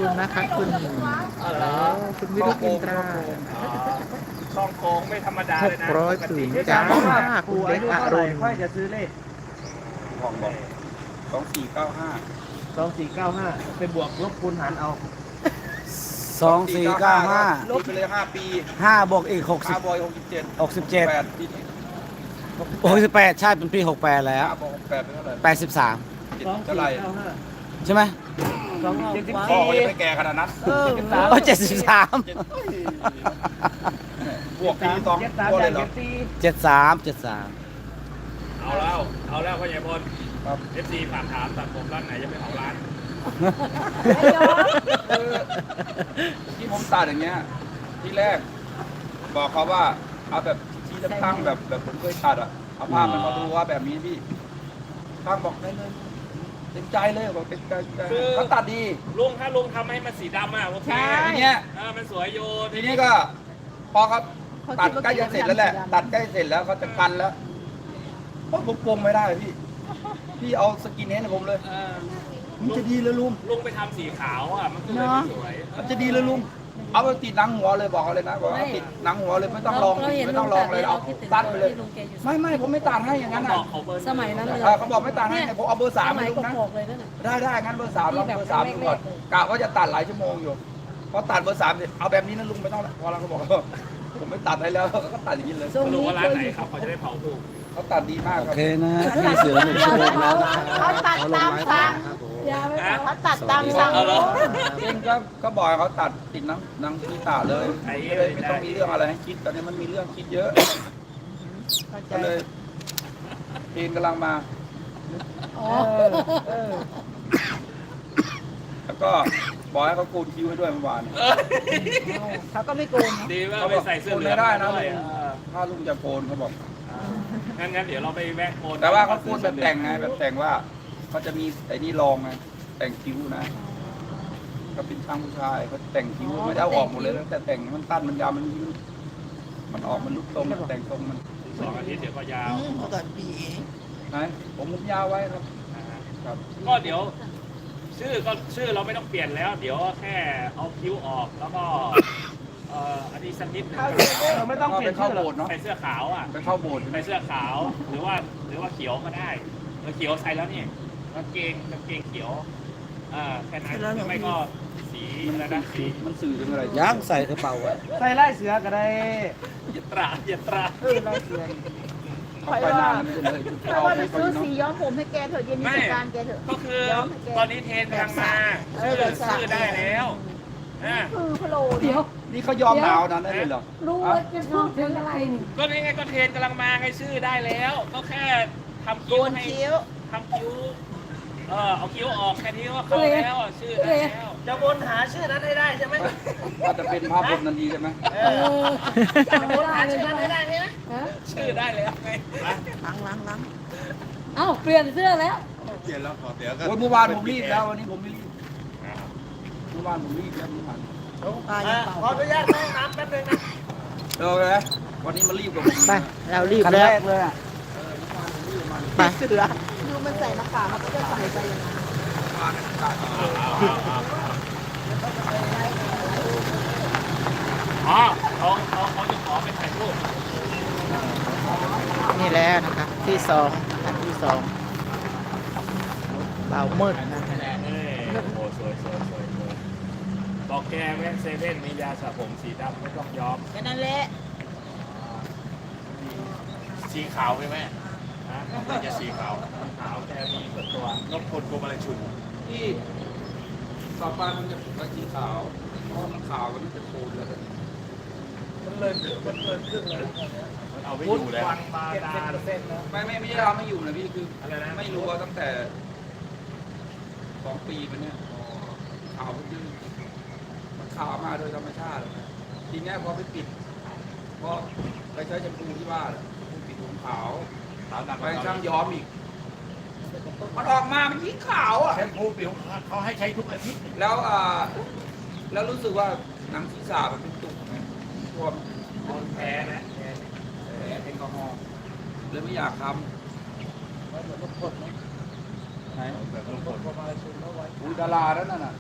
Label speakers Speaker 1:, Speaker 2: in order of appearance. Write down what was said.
Speaker 1: คุณนะคะคุณคุณวิรุธอินตรา
Speaker 2: ช่องโกงไม่ธรรมดาเลยนะ
Speaker 1: 600ผืนจ้าคุณเด็กอรุณ
Speaker 3: ค่อยจะซื้อเลข
Speaker 2: บอก2495
Speaker 3: 2495ไปบวกลบคูณหารเอา
Speaker 4: 2495
Speaker 2: ลบไปเลย5 ปี
Speaker 4: 5บวกอีก
Speaker 2: 5บอย67 8ปีนี้
Speaker 4: 68ใช่เป็นปี68แล้ว
Speaker 2: 5บวก8เป็นเท่าไหร่
Speaker 4: 83
Speaker 2: เท่าไหร่
Speaker 4: ใช่ไหม
Speaker 2: พ่อเขายังไม่แก่ขนาดนั้น
Speaker 4: โอ้73
Speaker 2: บวกปี2ตัวเลยเหรอ
Speaker 4: 73
Speaker 5: เอาแล้วพ่อใหญ่พลครับ FC ฝากถามตัดผมร้านไหนจะไปเผาร้าน
Speaker 2: ที่ผมตัดอย่างเงี้ยที่แรกบอกเขาว่าเอาแบบที่ตั้งแบบผมเคยตัดอ่ะเอาภาพมันมาดูว่าแบบนี้พี่ตั้งบอกได้เลยเต็มใจเลยบอกเต็มใจเขาตัดดี
Speaker 5: ลุงถ้าลุงทำให้มันสีดำอ่ะโอเค
Speaker 2: ทีเนี้ย
Speaker 5: มันสวยอยู่
Speaker 2: ทีนี้ก็พอเขาตัดใกล้จะเสร็จแล้วแหละตัดใกล้เสร็จแล้วเขาจะกันแล้วเพราะผมปรงไม่ได้พี่เอาสกินเฮดให้ผมเลยมันจะดีเลยลุง
Speaker 5: ลุงไปทำสีขาวอ่ะมันก็เลยไม่สวย
Speaker 2: มันจะดีเลยลุงเอาไปติดหนังหัวเลยบอกเขาเลยนะบอกว่าติดหนังหัวเลยไม่ต้องลองไม่ต้องลองเลยเอาตัดไปเลยไม่ผมไม่ตัดให้อย่างนั้น
Speaker 5: บ
Speaker 2: นะ
Speaker 5: อกเขาเบอร์
Speaker 6: สมัยนั้นเลย
Speaker 2: เขาบอกไม่ตัดให้ผมเอาเบอร์3ให้ลุงนะ
Speaker 6: บอกเลยนั่นน่ะ
Speaker 2: ได้งั้นเบอร์3ลองเบอร์3ดูก่อนกะว่าจะตัดหลายชั่วโมงอยู่พอตัดเบอร์3เสร็จเอาแบบนี้นะลุงไม่ต้องแล้วพอเราเขาบอกผมไม่ตัดให้แล้วก็ตัดอย่างนี้เลย
Speaker 5: ลุงว่าร้านไหนครับเขาจะได้เผาถูก
Speaker 2: เขาตัดดีมากค
Speaker 4: โอ
Speaker 2: รับ
Speaker 4: เคนะพี่เสือ1 ชั่วโมงแล้วนะครับ
Speaker 6: เขาตัดตามสั่งเขาตัดตามสั่ง
Speaker 2: เองก็บอกให้เขาตัดติดหนังที่ตาเลยไม่ต้องมีเรื่องอะไรให้คิดตอนนี้มันมีเรื่องคิดเยอะก็เลยเพลงกำลังมา
Speaker 6: อ๋อ
Speaker 2: แล้วก็บอกให้เขาโกนคิ้วให้ด้วยเมื่อวาน
Speaker 6: เขาก็ไม่โกง
Speaker 5: ดีว่า
Speaker 2: เขา
Speaker 5: ไป
Speaker 2: บอก
Speaker 5: ใส่เสื้อ
Speaker 2: โกน
Speaker 5: เหลือ
Speaker 2: ไม่
Speaker 5: ง
Speaker 2: ได้นะ
Speaker 5: ด้วย
Speaker 2: ถ้าลุงจะโกนเขาบอก
Speaker 5: งั้นเดี๋ยวเราไปแวะโกน
Speaker 2: แต่ว่าเขาโกนแบบแต่งไงแบบแต่งว่าเขาจะมีไอ้นี่รองไงแต่งคิ้วนะก็เป็นช่างผู้ชายเขาแต่งคิ้วไม่ได้เอาออกหมดเลยแต่แต่งมันตั้นมันยาวมันยืดมันออกมันลุกตรงแต่งตรงมัน
Speaker 5: 2 อาทิตย์เดี๋ยวก็ยาว
Speaker 2: ไหนผมยาวไว้ครับครับ
Speaker 5: ก็เดี๋ยวชื่อเราไม่ต้องเปลี่ยนแล้ว เดี๋ยวแค่เอาคิ้วออกแล้วก็อันนี้สักนิดนึง
Speaker 3: เราไม่ต้องเปลี่ยน
Speaker 2: เข้า
Speaker 3: ชื่อหร
Speaker 2: โบ
Speaker 3: อก
Speaker 2: สถ์เนาะ
Speaker 5: ใส่เสื้อขาวอ่ะ
Speaker 2: ไปเข้าโบสถ์
Speaker 5: ใส่เสื้อขาวหรือว่าเขียวก็ได้เขียวใส่แล้วนี่กางเกงเขียวแค่นั้นหรือไม่ก็สีอะไรนะสี
Speaker 2: มันสื่อถึงอะไร
Speaker 4: ย่างใส่กระเป๋าไว้
Speaker 3: ใส่ไล่เสือก็ได้
Speaker 5: ยัตรา
Speaker 3: ไล่เสือ
Speaker 2: เขาไปนานแล้วไม่ใช่เลย
Speaker 6: เพราะว่าไปซื้อสีย้อมผมให้แกเถอะเย็นนี้จัดการแกเถอะ
Speaker 5: ก็คือตอนนี้เทรนกำลังมาชื่อได้แล้วอ่า
Speaker 6: คือพะโลเดี๋ยว
Speaker 2: นี่เขายอมหนาวนั้นได้เลยเหรอ
Speaker 6: รู้ว่าจะพูดถึงอะไรนี่
Speaker 5: ก็นี่ไงก็เทรนกำลังมาให้ชื่อได้แล้ว ก็แค่ทำ
Speaker 6: โก
Speaker 5: คิ้วน ให้
Speaker 6: คิ้ว
Speaker 5: ทำคิ้วเอาคิ้วออกแค่นี้ว่าเข้าแล้วชื่อได้แล้ว
Speaker 3: จะวนหาชื่อนั้นให้ได้ใช่ไหม
Speaker 2: ถ้าจะเป็นภาพบนนันทีใช่ไหม
Speaker 6: จำไม่ได้เลยใช่ไหม
Speaker 5: ชื่อได้แล้วไง
Speaker 6: เอ้าเปลี่ยนเสื้อแล้ว
Speaker 2: เมื่อวานผมรีบแล้ววันนี้ผมไม่รีบเมื่อวานผมรีบแล้วเมื่อวาน
Speaker 3: ขออนุญาตเข้าห้องน้ำแป๊บนึงนะ
Speaker 2: เออเลยวันนี้มารีบกับผม
Speaker 1: ไปเรารีบ
Speaker 4: คัน
Speaker 1: แล้
Speaker 4: แร
Speaker 1: ว
Speaker 4: กเลยอ่ะ
Speaker 1: ไป
Speaker 6: ดูมันใส่หน้ากากมันก็ใส่ไปอย่างนั้น
Speaker 5: อ๋อเขาจะขอไปถ่ายรูป
Speaker 1: นี่แล้วนะคะที่2อันที่2เบามืดนะคะ
Speaker 5: โอ้สวยบอกแกแว่นเซเว่นมียาสระผมสีดำไม่ต้องย้อม
Speaker 6: แค่นั้นแหละ
Speaker 5: สีขาวไหมแม่ฮะน่าจะสีขาวขาวแกมีส่วนตัวนกพลกรมอะไรชุน
Speaker 2: ที่ต่อไปมันจะเป็นสีขาวเพราะมันขาวมันจะโคนแล้ว
Speaker 5: มันเลยขึ้นเลยมันเอาไม่อยู่แล้วฟังมาดา
Speaker 2: ไม่ใช่เราไม่อยู่นะพี่คือ
Speaker 5: อะไรนะ
Speaker 2: ไม่รู้ว่าตั้งแต่2 ปีมาเนี่ยขาวมันยืดมันขาวมาโดยธรรมชาติเลยนะทีนี้พอไปปิดเพราะไปใช้แชมพูที่บ้านปิดผมขาวไปช่างย้อมอีกมันออกมามันยิ่งขาวอ่ะ
Speaker 5: แชมพูผิวเขาให้ใช้ทุกอาทิตย์
Speaker 2: แล้วแล้วรู้สึกว่าหนังศีรษะมันเป็นตุ่มไงพวก
Speaker 5: แพ้นะ
Speaker 2: แอลกอฮอล์เลยไม่อยากทำไหน
Speaker 5: แบบลูกกด
Speaker 2: อุ้ยดาราแล้วนั่นน่ะ